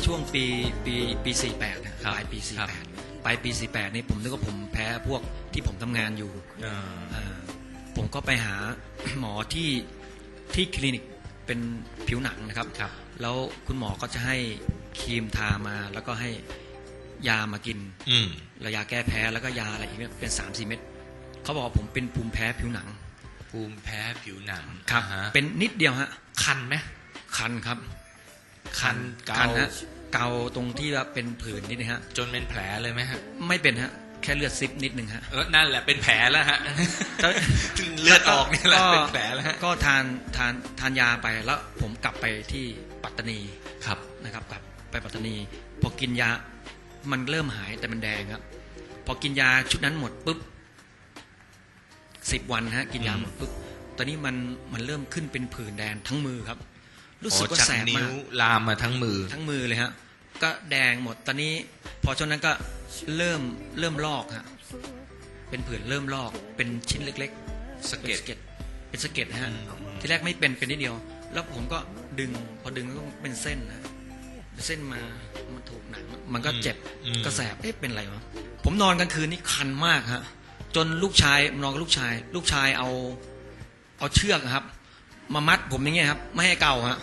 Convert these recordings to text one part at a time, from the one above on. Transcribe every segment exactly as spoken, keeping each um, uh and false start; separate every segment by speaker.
Speaker 1: ช่วงปีปีปีสี่แปดนะปลายปีสี่แปดปลายปีสี่แปดนี่ผมนึกว่าผมแพ้พวกที่ผมทำงานอยู่ผมก็ไปหาหมอที่ที่คลินิกเป็นผิวหนังนะครับแล้วคุณหมอก็จะให้ครีมทามาแล้วก็ให้ยามากินระยาแก้แพ้แล้วก็ยาอะไรอีกเป็นสามสี่เม็ดเขาบอกว่าผมเป็นภูมิแพ้ผิวหนัง
Speaker 2: ภูมิแพ้ผิวหนัง
Speaker 1: ครับเป็นนิดเดียวฮะ
Speaker 2: คันไหม
Speaker 1: คันครับ
Speaker 2: คัน
Speaker 1: คันฮะเกาตรงที่ว่าเป็นผื่นนิดนะฮะ
Speaker 2: จนเป็นแผลเลยไหมฮะ
Speaker 1: ไม่เป็นฮะแค่เลือดซิบนิดนึงฮะ
Speaker 2: เออนั่นแหละเป็นแผลแล้วฮะเลือดออกนี่แหละเป็นแผลแล้ว
Speaker 1: ก็ทานทานทานยาไปแล้วผมกลับไปที่ปัตตานี
Speaker 2: ครับ
Speaker 1: นะครับกลับไปปัตตานีพอกินยามันเริ่มหายแต่มันแดงครับพอกินยาชุดนั้นหมดปุ๊บสิบวันฮะกินยาหมดปุ๊บตอนนี้มันมันเริ่มขึ้นเป็นผื่นแดงทั้งมือครับรู้สึกว่าแสบมาก
Speaker 2: ลามมาทั้งมือ
Speaker 1: ทั้งมือเลยฮะก็แดงหมดตอนนี้พอช่วงนั้นก็เริ่มเริ่มลอกฮะเป็นผื่นเริ่มลอกเป็นชิ้นเล็กๆ
Speaker 2: สะเก็ด
Speaker 1: เป็นสะเก็ดฮะที่แรกไม่เป็นเป็นนิดเดียวแล้วผมก็ดึงพอดึงก็เป็นเส้นนะเส้นมามาถูกหนังมันก็เจ็บก็แสบเอ๊ะเป็นอะไรวะผมนอนกลางคืนนี่คันมากฮะจนลูกชายนอนกับลูกชายลูกชายเอาเอาเชือกครับมามัดผมอย่างเงี้ยครับไม่ให้เกาฮะ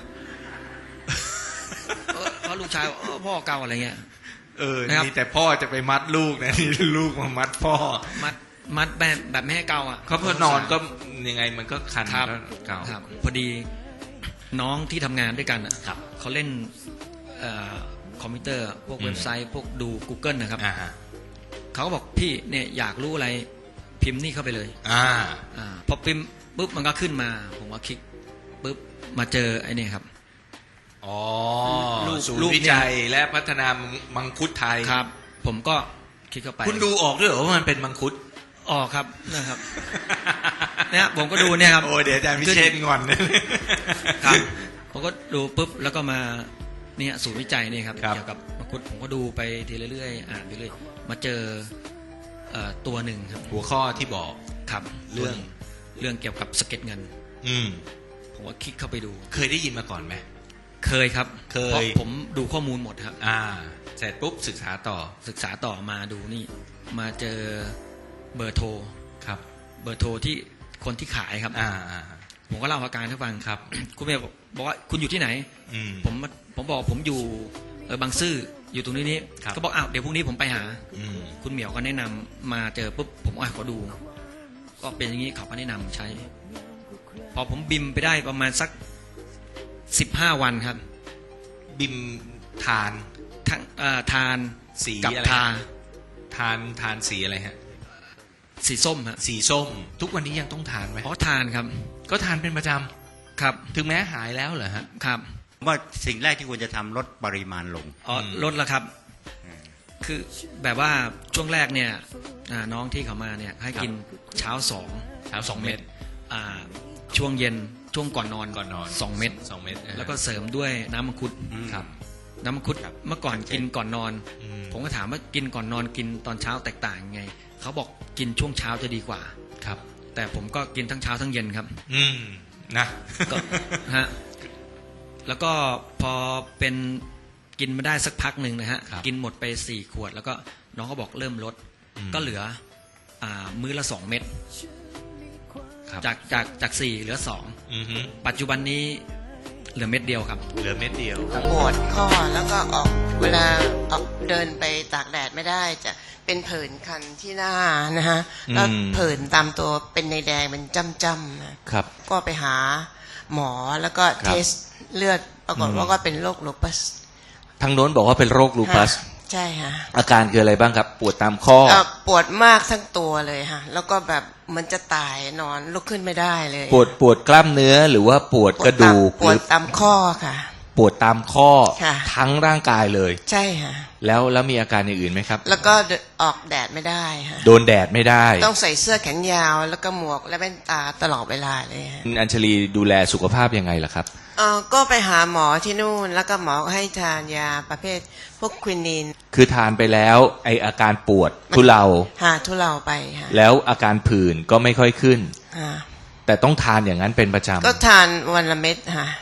Speaker 1: เพราะลูกชายพ่อเกาอะไรเงี้ย
Speaker 2: เออนี่แต่พ่อจะไปมัดลูกนะนี่ลูกมามัดพ่อ
Speaker 1: มัดมัดแบบแบบไม่ให้เกาอ่ะ
Speaker 2: เขาพอนอนก็ยังไงมันก็คันก็เกา
Speaker 1: ครับพอดีน้องที่ทำงานด้วยกันอ่ะเขาเล่นคอมพิวเตอร์พวกเว็บไซต์พวกดู Google นะครับเขาก็บอกพี่เนี่ยอยากรู้อะไรพิมพ์นี่เข้าไปเลย
Speaker 2: อ่า
Speaker 1: อ่าพอพิมพ์ปุ๊บมันก็ขึ้นมาผมก็คลิกปุ๊บมาเจอไอ้นี่ครับ
Speaker 2: อ๋อศูนย์วิจัยและพัฒนามังคุดไทย
Speaker 1: ครับผมก็คลิกเข้าไป
Speaker 2: คุณดูออกด้วยเหรอว่ามันเป็นมังคุด
Speaker 1: ออกครับนะครับเนี่ยผมก็ดูเนี่ยครับ
Speaker 2: โอ้เดี๋ยวอาจารย์พิเชษงอน
Speaker 1: ครับผมก็ดูปุ๊บแล้วก็มาเนี่ยศูนย์วิจัยนี่ครับเกี่ยวกับมังคุดผมก็ดูไปทีเรื่อยๆอ่านไปเรื่อยมาเจอตัวหนึ่งครับ
Speaker 2: หัวข้อที่บอก
Speaker 1: ครับ
Speaker 2: เรื่อง
Speaker 1: เรื่องเกี่ยวกับสะเก็ดเงิน
Speaker 2: อืม
Speaker 1: ผมก็คลิกเข้าไปดู
Speaker 2: เคยได้ยินมาก่อนไหม
Speaker 1: เคยครับ
Speaker 2: เคย
Speaker 1: เพราะผมดูข้อมูลหมดครับ
Speaker 2: อ่าเสร็จปุ๊บศึกษาต่อ
Speaker 1: ศึกษาต่อมาดูนี่มาเจอเบอร์โทร
Speaker 2: ครับ
Speaker 1: เบอร์โทรที่คนที่ขายครับ
Speaker 2: อ่า
Speaker 1: ผมก็เล่าอาการให้ฟัง
Speaker 2: ครับ
Speaker 1: คุณเมย์บอกว่าคุณอยู่ที่ไหนผมผมบอกผมอยู่เออบางซื่ออยู่ตรงนี้นี้ก็บอกอ้าวเดี๋ยวพรุ่งนี้ผมไปหาคุณเหมียวก็แนะนำมาเจอปุ๊บผมอ่ะขอดูก็เป็นอย่างนี้เขาก็แนะนำใช้พอผมบิมไปได้ประมาณสักสิบห้าวันครับ
Speaker 2: บิมทาน
Speaker 1: ทั้งทาน
Speaker 2: สี
Speaker 1: กับทา
Speaker 2: ทานทานสีอะไรฮะ
Speaker 1: สีส้มฮะ
Speaker 2: สีส้มทุกวันนี้ยังต้องทานไหม
Speaker 1: อ๋อทานครับ
Speaker 2: ก็ทานเป็นประจำ
Speaker 1: ครับ
Speaker 2: ถึงแม้หายแล้วเหรอฮะ
Speaker 1: ครับ
Speaker 3: ว่าสิ่งแรกที่ควรจะทำลดปริมาณลง
Speaker 1: อ๋อลดแล้วครับคือแบบว่าช่วงแรกเนี่ยน้องที่เขามาเนี่ยให้กินเช้าสอง
Speaker 2: เช้าสองเม็ด
Speaker 1: ช่วงเย็นช่วงก่อนนอน
Speaker 2: ก่อนนอน
Speaker 1: สองเม็ด
Speaker 2: สองเม็ด
Speaker 1: แล้วก็เสริมด้วยน้ำมังคุด
Speaker 2: ครับ
Speaker 1: น้ำมังคุดเมื่อก่อนกินก่อนนอนผมก็ถามว่ากินก่อนนอนกินตอนเช้าแตกต่างไงเขาบอกกินช่วงเช้าจะดีกว่า
Speaker 2: ครับ
Speaker 1: แต่ผมก็กินทั้งเช้าทั้งเย็นครับ
Speaker 2: อืมนะ
Speaker 1: ก็ฮะแล้วก็พอเป็นกินมาได้สักพักหนึ่งนะฮะกินหมดไปสี่ขวดแล้วก็น้องก็บอกเริ่มลดก็เหลือมื้อละสองเม็ดจากจากจากสี่เหลือสองปัจจุบันนี้เหลือเม็ดเดียวครับ
Speaker 2: เหลือเม็ดเดียว
Speaker 4: ปวดข้อแล้วก็ออกเวลาออกเดินไปตากแดดไม่ได้จะเป็นผื่นคันที่หน้านะฮะแล้วผื่นตามตัวเป็นในแดงเป็นจ้ำๆนะครับก็ไปหาหมอแล้วก็เทสเลือดปรากฏว่าก็เป็นโรคลูปัส
Speaker 2: ทางโน้นบอกว่าเป็นโรคลูปัส
Speaker 4: ใช่ฮะ
Speaker 2: อาการคืออะไรบ้างครับปวดตามข้อ
Speaker 4: ปวดมากทั้งตัวเลยฮะแล้วก็แบบมันจะตายนอนลุกขึ้นไม่ได้เลย
Speaker 2: ปวดปวดกล้ามเนื้อหรือว่าปวดกระดูก
Speaker 4: ปวดตามข้อค่ะ
Speaker 2: ปวดตามข้อทั้งร่างกายเลย
Speaker 4: ใช่ฮะ
Speaker 2: แล้วแล้วมีอาการอย่างอื่นไหมครับ
Speaker 4: แล้วก็ออกแดดไม่ได้ฮะ
Speaker 2: โดนแดดไม่ได้
Speaker 4: ต้องใส่เสื้อแขนยาวแล้วก็หมวกและแว่นตาตลอดเวลาเลยฮะ
Speaker 2: อัญชลีดูแลสุขภาพยังไงล่ะครับ
Speaker 4: เออก็ไปหาหมอที่นู่นแล้วก็หมอให้ทานยาประเภทพวกควินิน
Speaker 2: คือทานไปแล้วไออาการปวดทุเลา
Speaker 4: หาทุเลาไปฮะ
Speaker 2: แล้วอาการผื่นก็ไม่ค่อยขึ้น
Speaker 4: ฮะ
Speaker 2: แต่ต้องทานอย่างนั้นเป็นประจำ
Speaker 4: ก็ทานวันละเม็ดฮะ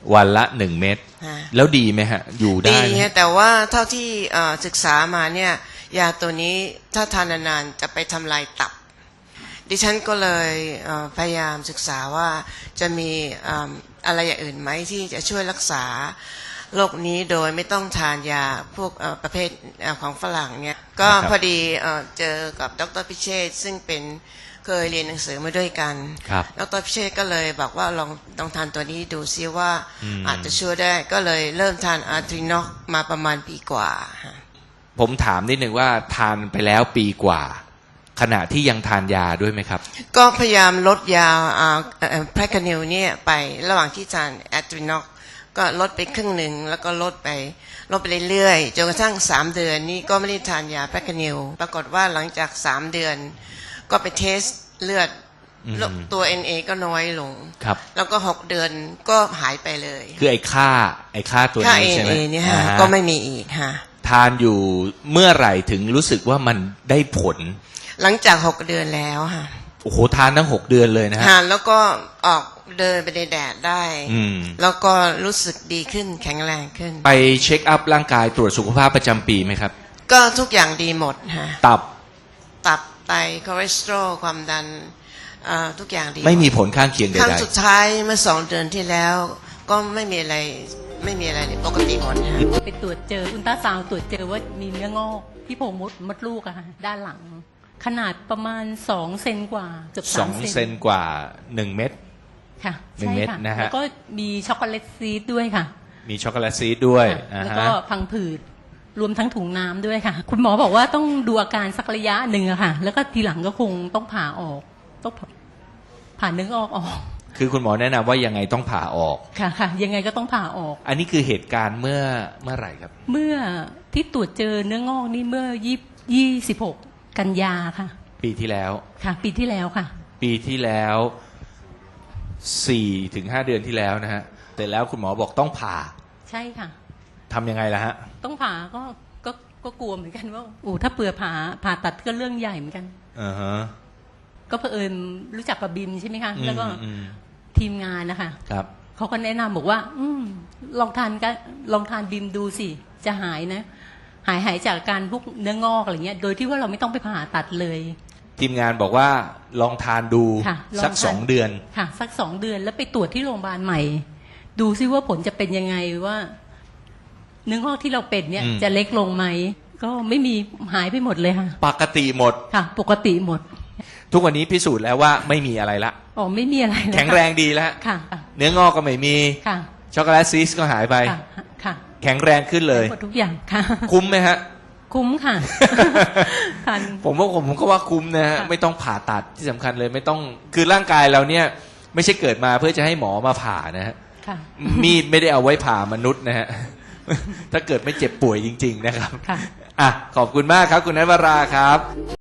Speaker 2: วันละหนึ่งเม็ด
Speaker 4: ฮะ
Speaker 2: แล้วดีไหมฮะ อยู่ได้
Speaker 4: ดี
Speaker 2: ไหม
Speaker 4: ฮะแต่ว่าเท่าที่เอ่อศึกษามาเนี่ยยาตัวนี้ถ้าทานนานๆจะไปทำลายตับ ดิฉันก็เลยเอ่อพยายามศึกษาว่าจะมีเอ่ออะไรอย่างอื่นไหมที่จะช่วยรักษาโรคนี้โดยไม่ต้องทานยาพวกเอ่อประเภทเอ่อของฝรั่งเนี่ยก็พอดีเอ่อเจอกับดรพิเชษฐ์ซึ่งเป็นเคยเรียนหนังสือมาด้วยกัน
Speaker 2: ครับ
Speaker 4: ดรพิเชษฐ์ก็เลยบอกว่าลองลองทานตัวนี้ดูซิว่า
Speaker 2: อืม
Speaker 4: อาจจะช่วยได้ก็เลยเริ่มทานอาร์ทรินอกมาประมาณปีกว่าฮะ
Speaker 2: ผมถามนิดนึงว่าทานไปแล้วปีกว่า ขณะที่ยังทานยาด้วยไหมครับ
Speaker 4: ก็พยายามลดยาแพรคานิลเนี่ยไประหว่างที่ทานแอตรินอกก็ลดไปครึ่งหนึ่งแล้วก็ลดไปลดไปเรื่อยๆจนกระทั่งสามเดือนนี่ก็ไม่ได้ทานยาแพรคานิลปรากฏว่าหลังจากสามเดือนก็ไปเทสเลือด
Speaker 2: อืม
Speaker 4: ตัว เอ็น เอ ก็น้อยลง
Speaker 2: ครับ
Speaker 4: แล้วก็หกเดือนก็หายไปเลย
Speaker 2: คือไอ้ค่าไอ้ค่าตัว
Speaker 4: ค่า
Speaker 2: นี้
Speaker 4: เอ็
Speaker 2: ใช่
Speaker 4: น
Speaker 2: ไหม
Speaker 4: เอเนี่ยฮะ
Speaker 2: อ่าฮะ
Speaker 4: ก็ไม่มีอีกฮะ
Speaker 2: ทานอยู่เมื่อไหร่ถึงรู้สึกว่ามันได้ผล
Speaker 4: หลังจากหกเดือนแล้วฮะ
Speaker 2: โอ้โหทานทั้งหกเดือนเลยนะฮะ
Speaker 4: ฮะแล้วก็ออกเดินไปในแดดได้
Speaker 2: อืม
Speaker 4: แล้วก็รู้สึกดีขึ้นแข็งแรงขึ้น
Speaker 2: ไปเช็คอัพร่างกายตรวจสุขภาพประจำปีไหมครับ
Speaker 4: ก็ทุกอย่างดีหมดฮะ
Speaker 2: ตับ
Speaker 4: ตับไตคอเลสเตอรอลความดันเอ่อทุกอย่างดี
Speaker 2: ไม่มีผลข้างเคียงใด
Speaker 4: ครั้งสุดท้ายเมื่อสองเดือนที่แล้ว ก็ไม่มีอะไรไม่มีอะไรเลยปกติหมดฮะ
Speaker 5: ไปตรวจเจออุลตราซาวด์ตรวจเจอว่ามีเนื้องอกที่โพรงมดมดลูกอะค่ะด้านหลัง ขนาดประมาณสองเซนกว่าเกือบ
Speaker 2: ๆสอ
Speaker 5: สาง ม
Speaker 2: เซนกว่าหนึ่งเม็ด
Speaker 5: ค่ะ
Speaker 2: หนึ่ง
Speaker 5: ใช่
Speaker 2: เม็ด
Speaker 5: ค่ะ
Speaker 2: นะฮะ
Speaker 5: แล้วก็มีช็อกโกแลตซีดด้วยค่ะ
Speaker 2: มีช็อกโกแลตซีดด้วย
Speaker 5: ค่ะ
Speaker 2: อ่า
Speaker 5: แล้ว
Speaker 2: ฮะ
Speaker 5: ก็พังผืดรวมทั้งถุงน้ำด้วยค่ะ คุณหมอบอกว่าต้องดูอาการสักระยะหนึ่งอะค่ะ แล้วก็ทีหลังก็คงต้องผ่าออกต้องผ่าเนื้องอกออก
Speaker 2: คือคุณหมอแนะนำว่ายังไงต้องผ่าออก
Speaker 5: ค่ะค่ะ ยังไงก็ต้องผ่าออก
Speaker 2: อันนี้คือเหตุการณ์เมื่อเมื่อไหร่ครับ
Speaker 5: เมื่อที่ตรวจเจอเนื้องอกนี่เมื่อยี่ยี่สิบหกกันยาค่ะ
Speaker 2: ปีที่แล้ว
Speaker 5: ค่ะ ปีที่แล้วค่ะ
Speaker 2: ปีที่แล้วสี่ถึงห้าเดือนที่แล้วนะฮะแต่แล้วคุณหมอบอกต้องผ่า
Speaker 5: ใช่ค่ะ
Speaker 2: ทำยังไงล่ะฮะ
Speaker 5: ต้องผ่าก็ก็ก็กลัวเหมือนกันว่าโอ้ถ้าเปื่อผ่าผ่าตัดก็เรื่องใหญ่เหมือนกัน
Speaker 2: อ่าฮะ
Speaker 5: ก็เผอิญรู้จักกับบิมใช่ไหมคะ
Speaker 2: อืม
Speaker 5: แล้วก็
Speaker 2: อืม
Speaker 5: ทีมงานนะคะ
Speaker 2: ครับ
Speaker 5: เขาก็แนะนำบอกว่า อืมลองทานกันลองทานบิมดูสิจะหายนะ หายหายจากการพวกเนื้องอกอะไรเงี้ย โดยที่ว่าเราไม่ต้องไปผ่าตัดเลย
Speaker 2: ทีมงานบอกว่าลองทานดู
Speaker 5: ค่ะลอง
Speaker 2: สัก
Speaker 5: ทาน
Speaker 2: สองเดือน
Speaker 5: ค่ะ สักสองเดือนแล้วไปตรวจที่โรงพยาบาลใหม่ ดูซิว่าผลจะเป็นยังไงว่าเนื้องอกที่เราเป็นเนี่ย
Speaker 2: อืม
Speaker 5: จะเล็กลงไหมก็ไม่มีหายไปหมดเลยค่ะ
Speaker 2: ปกติหมด
Speaker 5: ค่ะ ปกติหมด
Speaker 2: ทุกวันนี้พิสูจน์แล้วว่าไม่มีอะไรละ
Speaker 5: อ๋อไม่มีอะไรเลย
Speaker 2: แข็งแรงดีแล้ว
Speaker 5: ค่ะ
Speaker 2: เนื้องอกก็ไม่มี
Speaker 5: ค่ะ
Speaker 2: ช็อกโกแลตซีสก็หายไป
Speaker 5: ค่ะค่ะ
Speaker 2: แข็งแรงขึ้นเลย
Speaker 5: หมดทุกอย่างค่ะ
Speaker 2: คุ้มไหมฮะ
Speaker 5: คุ้มค่ะ ค่ะ
Speaker 2: ผมว่าผมก็ว่าคุ้มนะฮะ
Speaker 5: ค่ะ
Speaker 2: ไม่ต้องผ่าตัดที่สำคัญเลยไม่ต้องคือร่างกายเราเนี่ย ไม่ใช่เกิดมาเพื่อจะให้หมอมาผ่านะฮะ
Speaker 5: ค่ะ
Speaker 2: มีดไม่ได้เอาไว้ผ่ามนุษย์นะฮะ ถ้าเกิดไม่เจ็บป่วยจริง ๆ นะครับ
Speaker 5: ค่ะ
Speaker 2: อ่ะขอบคุณมากครับ คุณนัทวราครับ